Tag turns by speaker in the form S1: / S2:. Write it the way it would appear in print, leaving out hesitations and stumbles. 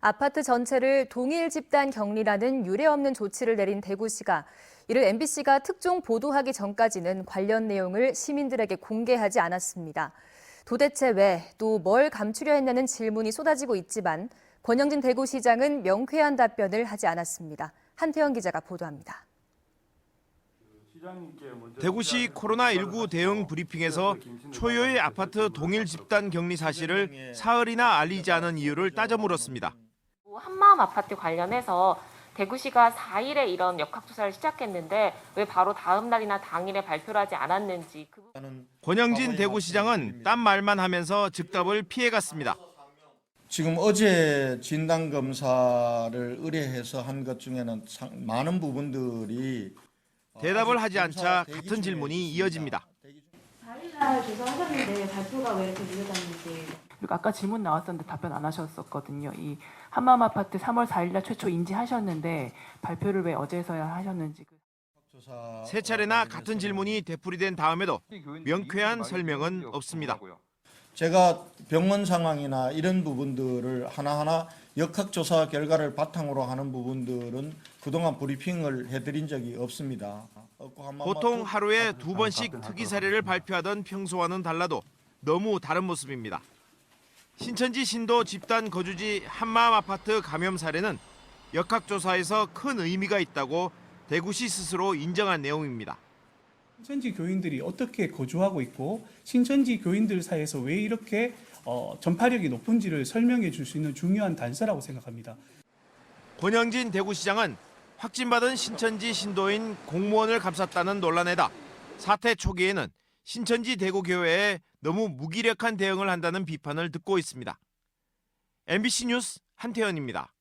S1: 아파트 전체를 동일 집단 격리라는 유례없는 조치를 내린 대구시가 이를 MBC가 특종 보도하기 전까지는 관련 내용을 시민들에게 공개하지 않았습니다. 도대체 왜, 또 뭘 감추려 했냐는 질문이 쏟아지고 있지만 권영진 대구시장은 명쾌한 답변을 하지 않았습니다. 한태영 기자가 보도합니다.
S2: 대구시 코로나19 대응 브리핑에서 초유의 아파트 동일 집단 격리 사실을 사흘이나 알리지 않은 이유를 따져 물었습니다.
S3: 한마음 아파트 관련해서 대구시가 4일에 이런 역학조사를 시작했는데 왜 바로 다음 날이나 당일에 발표를 하지 않았는지.
S2: 권영진 대구시장은 딴 말만 하면서 즉답을 피해갔습니다.
S4: 지금 어제 진단검사를 의뢰해서 한 것 중에는 많은 부분들이
S2: 대답을 하지 않자 같은 질문이 이어집니다.
S5: 4일날 조사하셨는데 발표가 왜 이렇게 늦어졌는지.
S6: 그리고 아까 질문 나왔었는데 답변 안 하셨었거든요. 이 한마음 아파트 3월 4일날 최초 인지하셨는데 발표를 왜 어제서야 하셨는지.
S2: 세 차례나 같은 질문이 되풀이된 다음에도 명쾌한 설명은 없습니다.
S4: 제가 병원 상황이나 이런 부분들을 하나하나 역학조사 결과를 바탕으로 하는 부분들은 그동안 브리핑을 해드린 적이 없습니다.
S2: 보통 하루에 2번씩 특이 사례를 발표하던 평소와는 달라도 너무 다른 모습입니다. 신천지 신도 집단 거주지 한마음 아파트 감염 사례는 역학조사에서 큰 의미가 있다고 대구시 스스로 인정한 내용입니다.
S7: 신천지 교인들이 어떻게 거주하고 있고 신천지 교인들 사이에서 왜 이렇게 전파력이 높은지를 설명해 줄 수 있는 중요한 단서라고 생각합니다.
S2: 권영진 대구시장은 확진받은 신천지 신도인 공무원을 감쌌다는 논란에다 사태 초기에는 신천지 대구교회에 너무 무기력한 대응을 한다는 비판을 듣고 있습니다. MBC 뉴스 한태현입니다.